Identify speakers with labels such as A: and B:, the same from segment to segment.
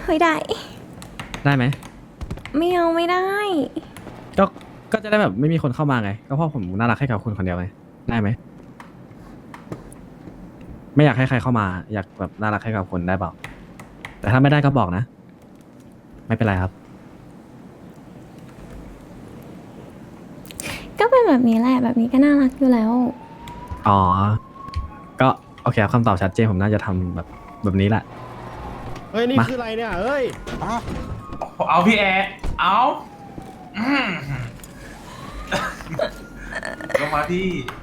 A: ฮ้ยได้
B: ได้ไหม
A: ไม่เอาไม่ได้
B: ก็ก็จะได้แบบไม่มีคนเข้ามาไงก็เพราะผมน่ารักให้กับคุณคนเดียวไงได้ไหมไม่อยากให้ใครเข้ามาอยากแบบน่ารักให้กับคนได้เปล่าแต่ถ้าไม่ได้ก็บอกนะ ไม่เป็นไรครับ
A: ก็เป็นแบบนี้แหละแบบนี้ก็น่ารักอยู่แล้ว
B: อ๋อ ก็โอเคครับคำตอบชัดเจนผมน่าจะทำแบบนี้แหละ
C: เฮ้ย นี่
B: มา
C: คืออะไรเนี่ย เฮ้ย
D: เอาพี่แอร์เอาอืมลงมาพี่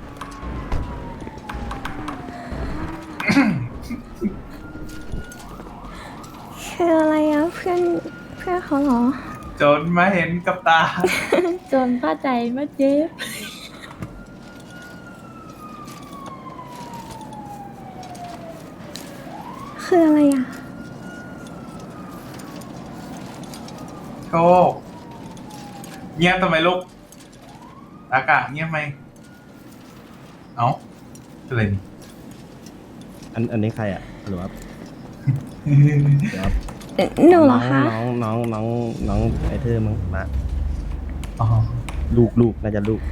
A: คืออะไรอะเพื่อนเขาเหรอ
D: จนมาเห็นกับตา
E: จนเข้าใจว่าเจ๊บ
A: คืออะไรอะ
D: โชคเงียบทำไมลูกอากาศเงียบไหมเอ้าอะไรนี่
C: อันนี้ใครอ่ะหรือว่าหรือว่า
A: หนูเหรอคะ
C: น้องไอเธอมึงมา
D: อ๋อ
C: ลูกน่าจะลูก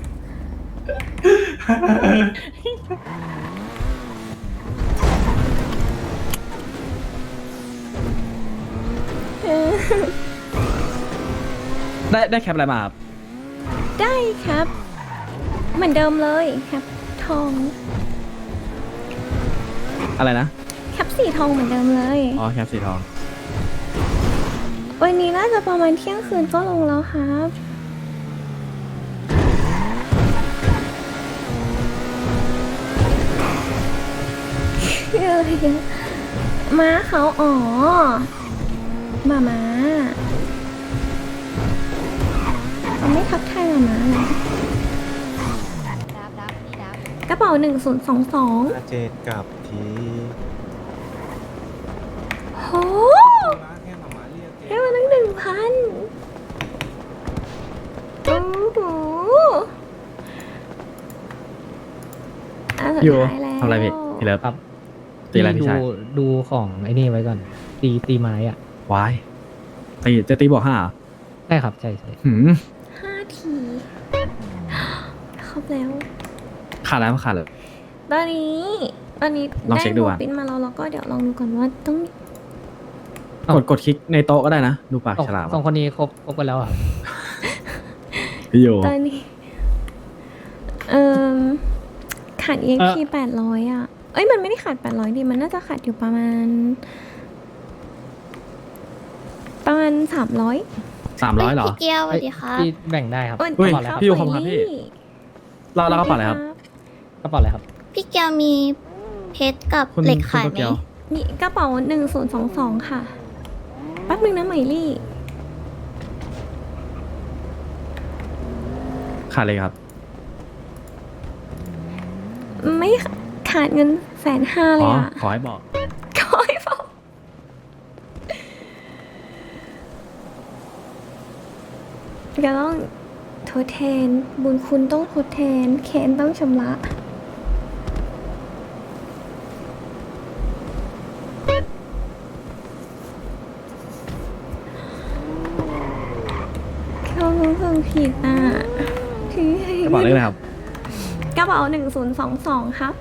B: ได้แคปอะไรมาครับ
A: ได้ครับ เหมือนเดิมเลยครับ ทอง
B: อะไรนะ
A: แคปสีทองเหมือนเดิมเลย
B: อ๋อแคปสีทอง
A: วันนี้น่าจะประมาณเที่ยงคืนก็ลงแล้วครับคืออะไรอะม้าเขาอ๋อม้าเขาไม่ทักทายม้าเลยกระเป๋า1022
C: เจดกับที
A: โหได้มาตั้ง1,000โอ้โหสุด
B: อยู่
A: ท้ายแล้ว
B: ทำอะไรพี่พี่เลิฟ
F: ครับ
B: ตีอะไรพี่ชาย
F: ดูของไอ้นี่ไว้ก่อน ตีไม้อ่ะ
B: วายจะตีบวก5เหรอ
F: ใช่ครับ ใช่
B: หืม
A: 5 ทีครบแล้ว
B: ขาดแล้วขาดเลย
A: ตอนนี้
B: ลองเช็คดู
A: โน
B: อะ
A: ปิ้นมาแล้วก็เดี๋ยวลองดูก่อนว่าต้อง
F: อ้าว
B: กดคลิกในโต๊ะก็ได้นะ ดูปากฉลาม
F: สองคนนี้ครบกันแล้วอ่ะ
B: พี่โย
A: ตอนนี้ ขาด EXP 800อ่ะ เอ้ยมันไม่ได้ขาด800ดิมันน่าจะขาดอยู่ประมาณ300
B: 300เหรอ
E: พี่เกียวสวัสดีค่ะ
F: พี่แบ่งได้ครับ
A: เอ้ย
B: เฮ้ย
F: กระเป๋าอะไรครับ
B: พี่อยู่ขอบคุณครับพี่ เรากระเป๋าอะไรครับ
F: กระเป๋าอะไรครับ
E: พี่เกียวมีเพชรกับ
B: คุณ
E: เหล็ก
B: คุณ
E: ขาย
B: โต
E: ไหม
B: เกียว
A: นี่กระเป๋า1022ค่ะแป๊บนึงนะไหมลี่
B: ขาดเลยครับ
A: ไม่ขาดเงิน150,000เล
B: อ๋
A: ย
B: อ
A: อ่ะ
B: ขอให้บอก
A: ขอให้บอกก็ต้องทดแทนบุญคุณต้องทดแทนแค้นต้องชำระเขารู้สึกผิดอ่ะที่
B: กระเป๋าเลขอะไรครับ
A: กระเป๋า1022ครับ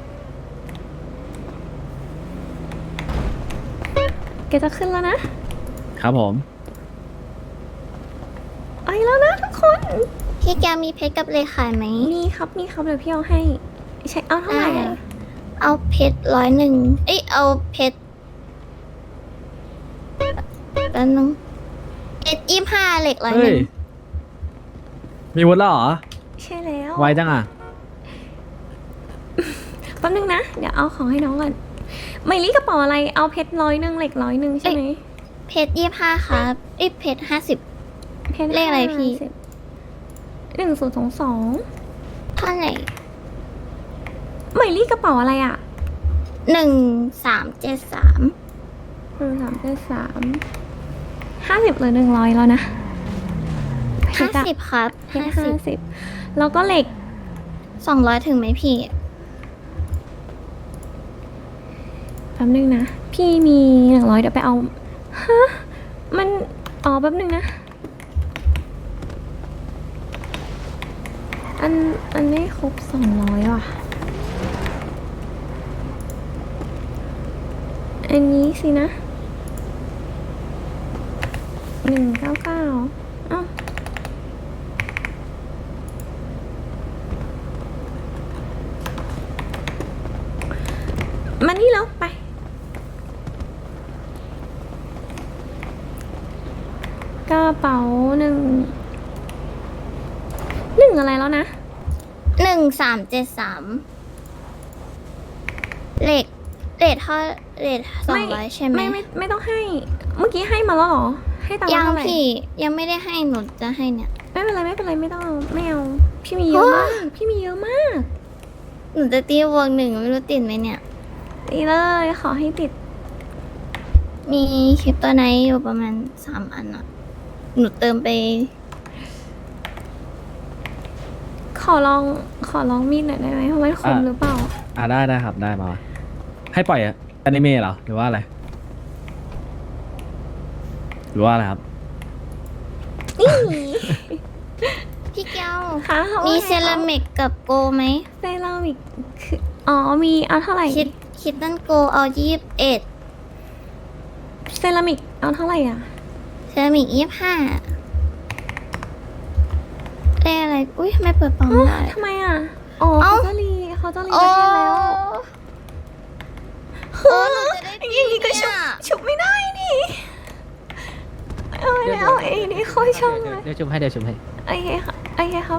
A: แกจะขึ้นแล้วนะครับ
B: ผม
A: ไปแล้วนะทุกคน
E: พี่เกียวมีเพชรกับเหล็กขายไหม
A: มีครับเดี๋ยวพี่เอาให้ใช้เอาเท่าไหร่อะ
E: เอาเพชร101เอ้ยเอาเพชรแป๊บนึงเพชร25เหล็ก101
B: เฮ้ย มีวุฒิแล้วเหรอ
A: ใช่แล้ว
B: ไวจังอ่ะ
A: แป๊บนึงนะ เดี๋ยวเอาของให้น้องก่อนไมลี่กระเป๋าอะไรเอาเพชร100เหล็ก100ใช่ไหม
E: เพชร25ครับเอ้ยเพชร50
A: เพชร
E: เลขอะไรพี่
A: 1022
E: เท่าไหร่
A: ไมลี่กระเป๋าอะไรอ่ะ
E: 1373
A: 373 50หรือ100แล้วนะเพชรอะ
E: 50ครับ
A: เพชร50แล้วก็เหล็ก
E: 200ถึงไหมพี่
A: แป๊บนึงนะ พี่มี100เดี๋ยวไปเอามันอ๋อแป๊บนึงนะ อันไม่ครบ200ว่ะ อันนี้สินะ199เอ้ามานี่แล้วไป กระเป๋าหนึ่งอะไรแล้วนะ
E: 1373เลทเท่าเลท200ใช่ไหม
A: ไม่ต้องให้ เมื่อกี้ให้มาแล้วเหรอ ให้ตังค์
E: ยัง
A: เท่าไหร่
E: พี่ยังไม่ได้ให้หนูจะให้เนี่ย
A: ไม่เป็นไรไม่ต้องเอาไม่เอา พี่มีเยอะมาก พี่มีเยอะมาก
E: หนูจะตีวงหนึ่งไม่รู้ติดไหมเนี่ย
A: ตีเลยขอให้ติด
E: มีคลิปตัวไหนอยู่ประมาณ3 อันอะหนูเติมไป
A: ขอลองมีดหน่อยได้ไหมเพราะมันคมหรือเปล่า
B: ได้ครับได้มาให้ปล่อยอนิเมะเหรอหรือว่าอะไรหรือว่าอะไรครับ
A: นี่
E: พี่แก้ว
A: ค่ะเขา
E: มี
A: ให้
E: เซรามิกกับโกไหม
A: เซรามิกคืออ๋อมีเอาเท่าไหร่
E: คิดตันโกเอา21
A: เซรามิกเอาเท่าไหร่อ่ะ
E: เซรามิก25ได้อะไร อุ้ยทำไมเปิดปั๊มไม่ได้
A: ทำไมอ่ะ อ๋อ
E: เอ้า
A: เขาจะรี
E: โอ้
A: ประเทศแล้ว
E: โอ้หนูจะได้
A: อย่างนี้ก็ชุบไม่ได้นี่ไม่เอาเองนี่ค่อยชอบเลย
F: เดี๋ยวชุบให้
A: โอเคค่ะโอเคครับ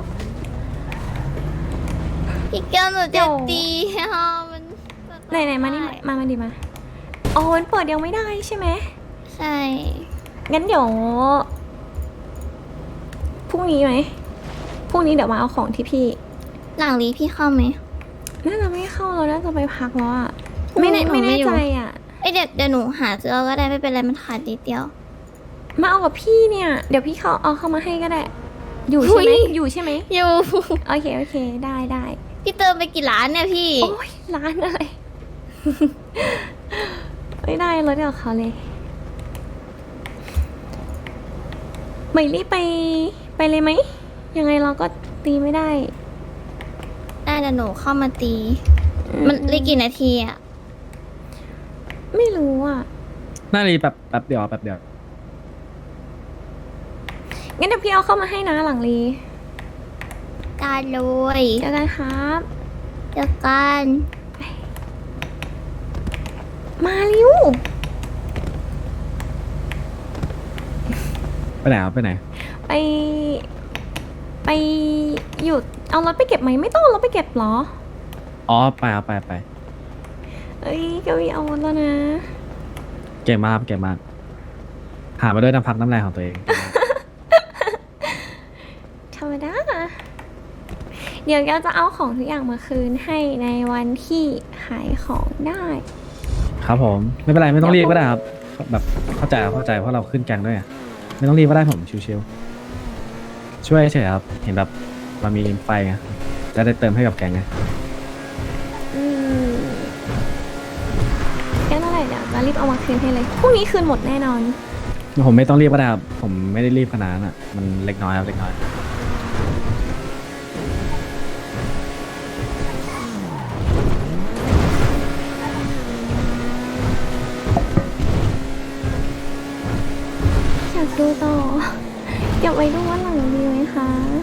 E: พี่แก้วหนู
A: เดี๋
E: จะ
A: ยว
E: ตีอ่ะมัน
A: ไหนมานี่มาดิมาอ๋อมันเปิดยังไม่ได้ใช่ไหม
E: ใช่
A: งั้นเดี๋ยวพรุ่งนี้ไหมพรุ่งนี้เดี๋ยวมาเอาของที่พี่
E: หลังลีพี่เข้าไหม
A: น่าจะไม่เข้าเราน่าจะไปพักแล้วอ่ะ
E: พรุ่งนี้
A: ไม่
E: หนูไม่
A: แน่
E: อยู่
A: ใจอ่ะ
E: เอ้ยเดี๋ยวหนูหาซื้อเอาก็ได้ไม่เป็นไรมันขาดนิดเดียว
A: มาเอากับพี่เนี่ย เดี๋ยวพี่เอาเข้ามาให้ก็ได้ อยู่ใช่ไหม
E: อุ๊ย
A: อยู่ใช่ไหม
E: อยู่
A: โอเคได้
E: พี่เติมไปกี่ล้านเนี่ยพี่
A: โอ้ยร้านอะไร ไม่ได้รถเดี๋ยวเขาเลยไม่รีบไปเลยไหมยังไงเราก็ตีไม่ได้
E: ได้เดี๋ยวหนูเข้ามาตี มันเหลยกี่นาทีอะ
A: ไม่รู้อ่ะ
B: น่ารีแป๊บเดียว
A: งั้นเดี๋ยวพี่เอาเข้ามาให้นะหลังรี
E: ได้เลย
A: เจอกันครับ
E: เจอกัน
A: มาเร็ว
B: ไปไหนครับไปไหน
A: ไปหยุดเอารถไปเก็บไหมไม่ต้องเอารถไปเก็บเหรอ
B: อ๋อไป
A: เอ้ยกวีเอารถแล้วนะ
B: เก่งมากหามาด้วยน้ำพักน้ำแรงของตัวเอง
A: ธรรมดา เดี๋ยวเราจะเอาของทุกอย่างมาคืนให้ในวันที่ขายของได้
B: ครับผมไม่เป็นไรไม่ต้องรีบก็ได้ครับแบบเข้าใจเพราะเราขึ้นแกงด้วยอะไม่ต้องรีบก็ได้ผมชิวๆช่วยเฉยๆครับเห็นแบบมันมีไฟไงจะได้เติมให้กับแกงไง
A: แค่เท่าไหร่เดี๋ยวจะรีบเอามาคืนให้เลย พรุ่งนี้คืนหมดแน่นอน
B: ผมไม่ต้องรีบก็ได้ครับผมไม่ได้รีบขนาดนั้นอ่ะมันเล็กน้อยครับเล็กน้อย
A: อยากดูต่อ อยากไปดูว่าหลังดีไหมคะ